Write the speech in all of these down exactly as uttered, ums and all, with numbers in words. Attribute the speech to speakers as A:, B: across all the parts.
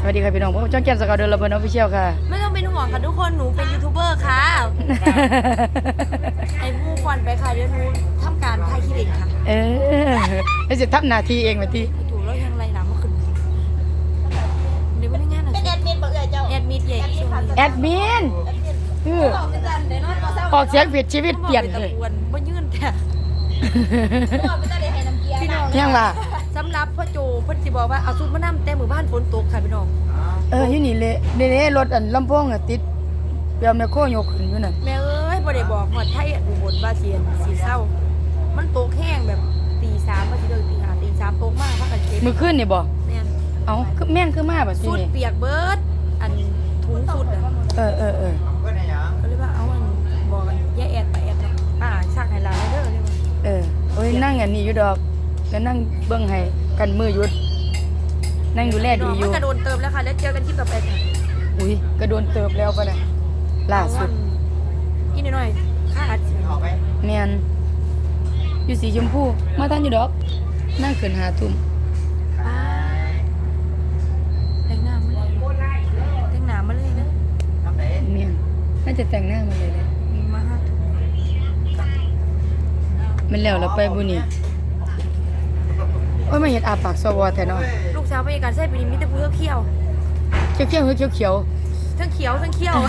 A: สวัสดีค่ะพี่น้องผมจ้องแก้มสกาวเดินระเบิดออฟฟิเชียลค่ะ
B: ไม่ต้องเป็นห่วงค่ะทุกคนหนูเป็นยูทูบเบอร์ค่ะไอ้ผู้ควันไปค่ะเดี๋ยวหนูทำการถ่ายคลิปค่ะ
A: เออแล้วจะทำหน้าที่เองมาที่
B: ถูกแล้วยังไรหนาเมื่อคืนเดี๋ยวไม่ได้งานนะเป็นแอดมินบอกเลยเจ้าแอดมินใหญ่
A: แอดมินคือออกเสียงผิดชีวิตเปลี่ยนเลย
B: บ่ยื่นแต่พี่น้อง
A: ยังว่า
B: สำหรับพ่อโจพ่อจีบอกว่าเอาซุปมะน้ำแต่หมู่บ้านฝนตกค่ะพี่น้อง
A: เอออยู่นี่เลยนี่เลยรถอันลำโพงอ่ะติดเปียแมคโครยกขึ้นอยู่นั่น
B: แม่เอ้ยบ่ได้บอกหมดไทยอุบลว่าเสียนสีเศร้ามันตกแห้งแบบตีสามมาทีเดียวตีห้าตีสามตกมากพักกันเก็บ
A: มือขึ้นนี่บ่
B: แม่น
A: เอาคือแม่งคือมาแบบนี้
B: สุดเปียกเบิดอันถุงสุดอ่ะ
A: เออเออเออ
B: ก็เลยว่าเอาอันบอกกันแย่แอดไปแอดเนาะป้าชักให้ลาเด้อเลยว่า
A: เออโอ้ยนั่งอันนี้อยู่ดอกแล้วนั่งเบิ่งให้กันมือหยุดนั่งดูแลดีอยู่
B: มันกระโดนเติมแล้วค่ะแล้วเจอกันคลิปต่อไปค่ะ
A: อุ้ยกระโดนเติบแล้วปะเนี่ยล่าสุด
B: กินหน่อยค่าอัดเสียง
A: เมียนอยู่สีชมพูมาท่านอยู่ดอกนั่งขึ้นหาทุ่ม
B: แต่งหน้ามาเลยแต่งหน้ามาเลยนะ
A: เมียนน่าจะแต่งหน้ามาเลยเลย
B: มาห้าทุ่ม
A: มันแล้วเราไปบุนี่โอ้ยมาเห็นอาปากสวอแต่เนาะ
B: ลูกสาวไปการใส่ปีนี้มีแต่ผู้เขียว
A: เขียวเขียวเขียวเขียว
B: ทั้งเขียวทั้งเขียว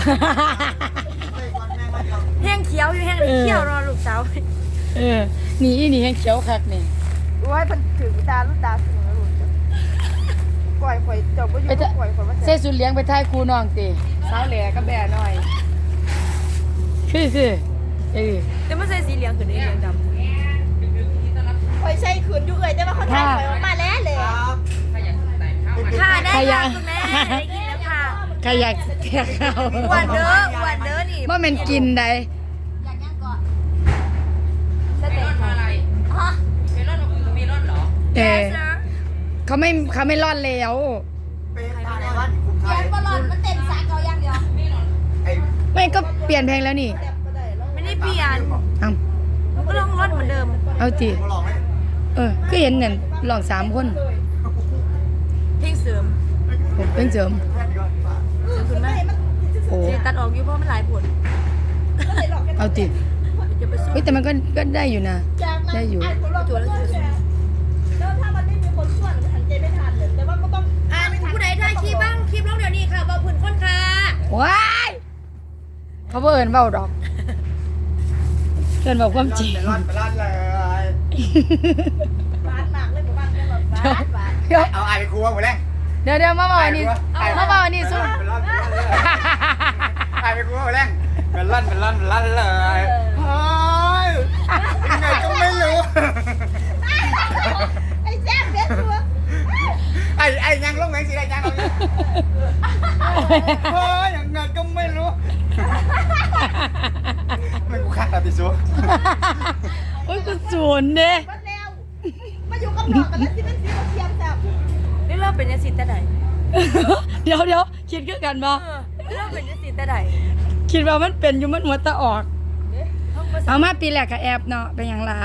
B: แห้งเขียวอยู่แห้งเขียวรอลูกสาว
A: เออนี่นี่แห้งเขียวคักนี่
B: ว่ามันถือตาลูกตาเสมอลูกปล่อยปล่อยจบก็อยู่ปล่อยปล่อยว่า
A: เส้สุดเลี้ยงไปท้ายครูน้องตีสาวแหล่ก็แบ่หน่อยคือคือเออ
B: แต่ไม่ใช่สีเหลืองคือได้เหลืองดำคอยใช้ขืนอยู่เลยแต่ว่าเขาถ่ายไปมาแล้วเลยค่ะได้ค่ะคุณแม่ได้กินแล้วค่ะ
A: ใครอยากแทกข้าว
B: หวานเด้อหวานเด้อนี่
A: ว่ามันกินได้
B: อยากย่างก่อนสเต็กอะไรฮะเมลอนเมลอนเหรอ
A: เออเขาไม่เขาไม่รอดแล้ว
B: เปลี่ยนบอลอนมันเต็มสาเกาอย่างเดียว
A: ไม่ก็เปลี่ยนเพลงแล้วนี่
B: ไม่ได้เปลี่ยน
A: เอ้า
B: มันก็ลองรอดเหมือนเดิม
A: เอาจีเออก็เห็นเนี่ยลองสามคน
B: เพลงเสริม
A: เพลงเสริม
B: เสริมคุณแม่โอ้ตัดออกอยู่เพราะมันหลายผล
A: เอาจีเฮ้ยแต่มันก็ก็ได้อยู่นะได้อยู่
B: จั่วแล้วแล้วถ้ามันไม่มีคนช่วยมันหันใจไม่ทันเลยแต่ว่าก็ต้องอ่านผู้ใดถ่ายคลิปบ้างคลิปลงเดี๋ยวนี้ค่ะเบาผื่นค้นค่ะ
A: ว้ายเขาเอิญเบาดอกเอิญบอกความจริง
C: ร้อนไปร้อนเลย
B: บ้านหมากเลยหมู่บ้านเนี่ยแบบบ้าน
C: เอาไอ้ครัวหมดแล้ว
A: เดี๋ยวเดี๋ยวมาบอกนี่มาบอกนี่สู้
C: ไอ้ครัวหมดแล้วเป็นร้อนเป็นร้อนเป็นร้อนเลยเฮ้ยยังไงก็ไม่รู้
B: ไอ้แซ่บเด็ดตัว
C: ไอ้ไอ้ยังลงแมงสีได้ยังลงเฮ้ยยังไงก็ไม่รู้ไม่กูขาดติซู
A: โอ้ยกูศูนย์เด้
B: มาอยู่กับหนอกกันแล้วสิเป็นสีเทียมจับนี่เราเป็นยังสิแต่ไหน
A: เดี๋ยวเดี๋ยวคิดคือกันบ่
B: เราเป็นยังสิแต่ไหน
A: คิดว่ามันเป็นอยู่มันหัวตะออกเอามาปีแรกกับแอบเนาะเป็นอย่างไร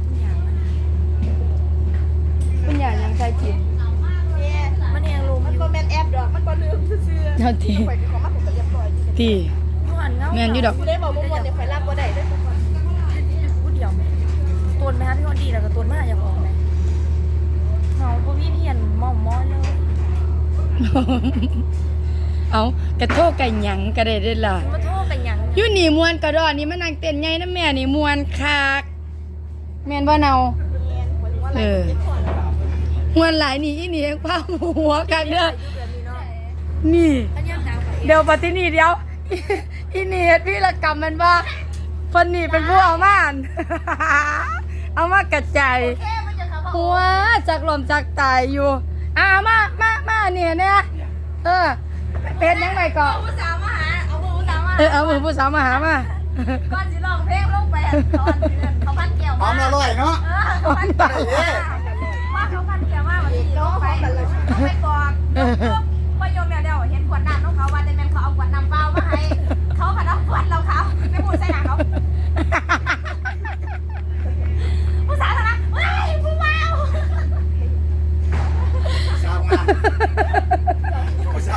A: เป็นอย่างยังใครจิต
B: มันเองรู้มันก็แมนแอบดอกมันก็ลืมเชื่อ
A: เท่าทีทีแมนอยู่ดอก
B: ได้บอกมุ่งวันเดี๋ยวไฟลาบก็ได้ด้วยพูดเดียวตัวไหมคะพี่คนดีแล้วก็ตัวมากอย่าบอกไหมเขาพวกพี่เพียนมอมมอเลย
A: เอากระโทกกันหยังกระเด็ดล่ะ
B: มาโทษกันหยัง
A: ยู่หนีมวนกระดอนนี่มันนางเต้นไงนะแม่นี่มวนคักแม่นบ่เนาเออมวนหลายนี่อีนี่ผ้าหัวกันเด้อนี่เดี๋ยวปฏินี่เดี๋ยวอีนี่เฮ็ดวิรกรรมมันว่าเพิ่นนี่เป็นผู้เอามาเอามากระจายหัวจากลมจากตายอยู่อ่ามามามาเนี่ยเนี่ยเออเป็นยังไงก่อน
B: ผู้สาวมาหาเอาผู้สาวมา
A: เออเอามือผู้สาวมาหามา
B: ก่อนสิลองเพลงลงไปตอนเขาพันแก้ว
C: หอมอร่อยเนาะ
B: เขาพันแก้วว่าเขาพันแก้วว่าวันนี้ลงไปไปกอดพอโยมเดียวเห็นขวดน้ำน้องเขาว่าแต่แม่เขาเอาขวดน้ำเปล่ามาให้เขาขัดเอาขวดเราเขาไม่พูดใส่หนังเขาผู้สาวนะเฮ้ยผู้เมา
C: สาวงามผู้สา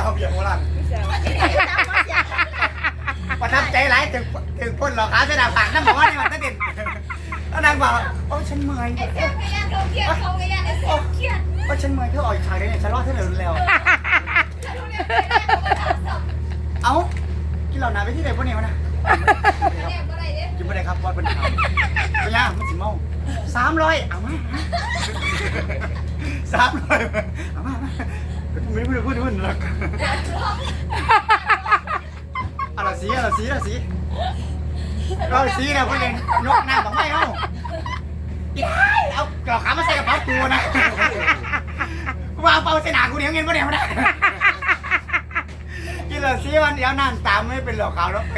C: งว่าโอ้ฉันเมื่อย
B: ไอ้แซมกระยานเขาเครียดเขากระยานไอ้แซมเครียด
C: โอ้ฉันเมื่อยเธอออกอีกฉากได้เนี่ยฉันรอดเธอเหลือแล้วเอ้ากินเหล่านาไปที่ไหนพวกนี้วะนะกินไม่ได้ครับบอลเป็นขาวเป็นยังมันสิเมาสามร้อยเอามาสามร้อยเอามาไม่พูดพูดพูดหรอกเอาละสีเอาละสีเอาละสีเอาสีนะพวกนี้ยกหน้าบอกไม่เอาเอากระขามาใส่กระเป๋าตัวนะว่าเอาเป่าใส่หนากูเดี๋ยวเงินพวกนี้มาได้กินละสีวันเดียวนั่นตามไม่เป็นหลอกขาวแล้ว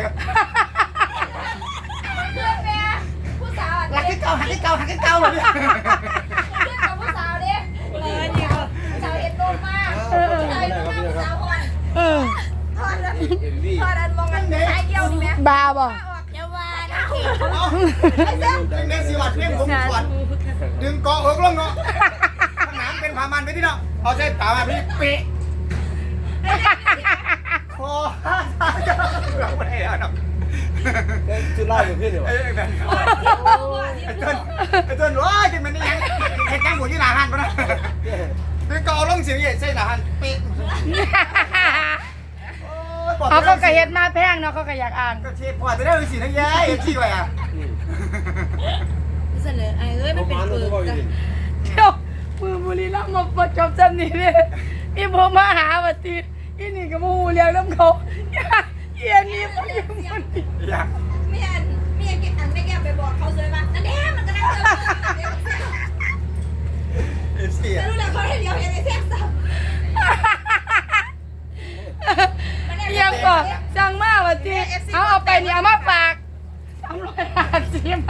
B: ผู้สาว
C: หักที่เก่าหักที่เก่าหักที่เก่าเลย
B: เพื่อนกับผู้สาวเด้เลยนี่ก็สาวเอ็ดโดนมากสาวเอ็ดโดนมากผู้สาวคน
A: เออ
B: ทอดแล้วทอดอันมองกันสายเดียวนี่ไหม
A: บาบ่
B: เยาวานะเขต
C: เอาดึงเด็กสีวัดเพียงผมสวดดึงเกาะหกลงเนาะข้างหลังเป็นพามันไปที่เนาะเอาใส่ตามาพี่ปีโอ้เราไม่ได้แล้วเนาะ
D: จุดไล่อยู่ขึ้นเดี๋ยว
C: ไอ้แบบไอ้ต้นไอ้ต้นว้าจนมันนี่ยังเห็ดยังหมูที่หนาหันปะนะดึงเกาะลงเสียงใหญ่ใส่หนาหันปี
A: เขาก็กระเฮ็ดมาแพงเนาะเขาก็อยากอ่าน
C: ก็เชฟพอจะได้สีทั้งแย่เอฟซีไว้อ่ะ
B: เสนอไอ้เอ้ยมันเป็นเปลือก
A: เดี๋ยวมือบุรีรัมย์มาประจบจำนี่เลยอีผมมาหาวัตีอีนี่ก็มาหูเลี้ยงน้ำเขาเอียนนี่มันยังมัน
C: อยาก
B: ไม่อันไม่อันอันไม่แก้ไปบอกเขาเลยว่านั่นแหละมันก็ได้เจอ
C: เอฟซี
B: จะ
C: อ่ะ
B: รู้แล้วเขาเห็นเดียวเห็นไอ้แซ่บสับ
A: ยังก่อนจังมากวัตีเอาเอาไปนี่เอามาฝากสามร้อยห้าสิบ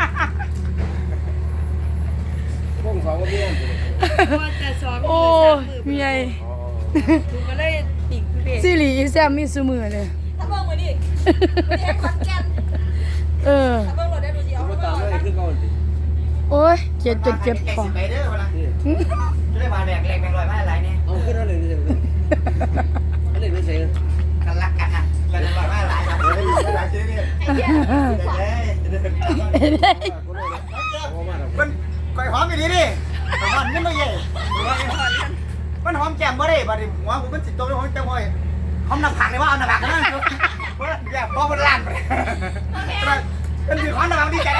D: พวกสองก็เบี้ยน
A: โอ้เมีย
B: ดูก็เลยติ่งเด็ก
A: ซิริอีแซมมีซูมือเลย
B: ถ้าเบิ่งมาดิไม่ได้คอนแกน
A: เออ
B: ถ้าเบิ่งเราได้ดูสิเอา
D: มา
B: เบิ่
D: ตาม
B: ง
D: เลยขึ้นก่อนดิ
A: โอ้ยเจ็บจนเจ็บคอ
C: ไปเด้อมาละจะได้มาแดกแรงแรงลอยมาอะไรเนี่ย
D: เอาขึ้นอะไรนี่เฉยอะไรนี่เฉย
C: กันรักกันอ่ะแรงลอยมาหลายแบบนี้หลายชิ้นนี่
B: ไอ้เหี้ย
C: มันก่อยหอมอยู่ดีดิหอมนี่ไม่ใหญ่มันหอมแก้มบ่ได้บ่ดิหัวผมมันจิตโตหอมแก้มบ่อยหอมหน้าผากเลยว่าเอาหน้าผากกันนั่นอย่าพ่อมันลั่นไปมันถือหอมหน้าผากดีใจ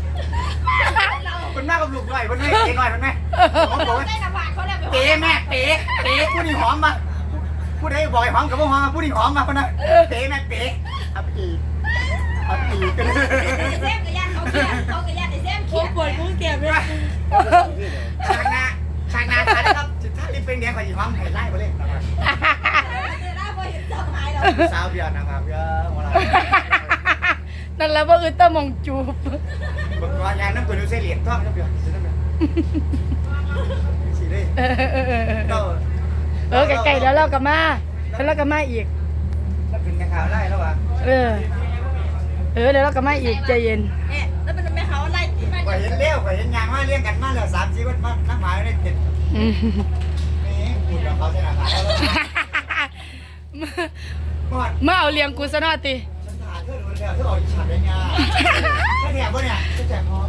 C: มันมากกับลูกหน่อยมันไม่เก๋หน่อยมันไม่หอมบอกว่า
B: ได้หน้าผากเขาแล้ว
C: เป๋แม่เป๋เป๋ผู้นี้หอมมาผู้ใดบอกหอมกับผู้หอมผู้นี้หอมมาคนนั้นเป๋แม่เป๋อับปีอับปีกัน
B: แซ่บกับย่านเขาเครียดเขากับย่านไอ้แซ่บเครียดปวดกุ้งเก็บเลย
C: ฉากหน้าฉากหน้าถ่ายนะครับถ้ารีบเป็นแดงกว่าอีหอมไข่ไล่ไปเลย
B: ได้พอเห็นสหายแล้ว
C: สาวเบียร์นะครับเบียร์มาละ
A: นั่นแหละว่าอึดตะมองจูบ
C: บอกว่ายางน้ำตัวนู้นเสียเหรียญท่อมน้ำเบียร์น้ำเบียร์สีเลย
A: เออเออเออ
C: ก็
A: เออไก่ๆแล้วเราก็มาแล้วเราก็มาอีก
C: แล้วเป็นกระขาวไล่แล้ววะ
A: เออ เออเดี๋ยวเราก็มาอีกใจเย็น
B: เนี่ยแล้วเป็นแม่เขาไล่ที่มัน
C: กว่าเห็นเลี้ยวกว่าเห็นยางมาเลี้ยงกันมาแล้วสามสี่วันมาน้ำหมายได้ติด
A: อืม
C: นี่พูดกับเขาใช่ไหมครับหมด
A: มาเอาเลี้ยงกูซะหน่อยติ
C: ฉันถ่ายเธอดูแล้วเธอออกฉากได้ไงถ้าแถบวะเนี่ยจะแจกพร้อม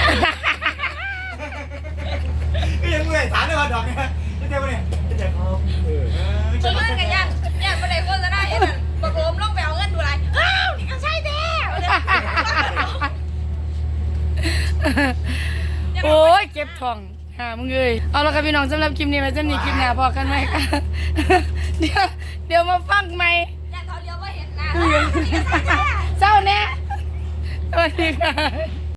C: ก็ยังเมื่อยถามเลยว่าดอกเนี่ยจะแจกวะเนี่ยจะแจกพร้อมเออ
B: ชนกันย่านย่านประเดี๋ยวก็จะได้เห็นมันบักโอมลงไปเอาเงินดูไรอ้าวนี่ก็ใช่แท้
A: โอ้ยเก็บทองหามึงเอ้ยเอาละครับพี่น้องสำหรับคลิปนี้ไว้จำนี้คลิปหน้าพอกันไหมคะ เดี๋ยวเดี๋ยวมาฟังใหม่
B: ย่านเขาเลี้ยวว่าเห็นนะนี่ก็ใช่แท้
A: เศร้าแน่สวัสดีค่ะ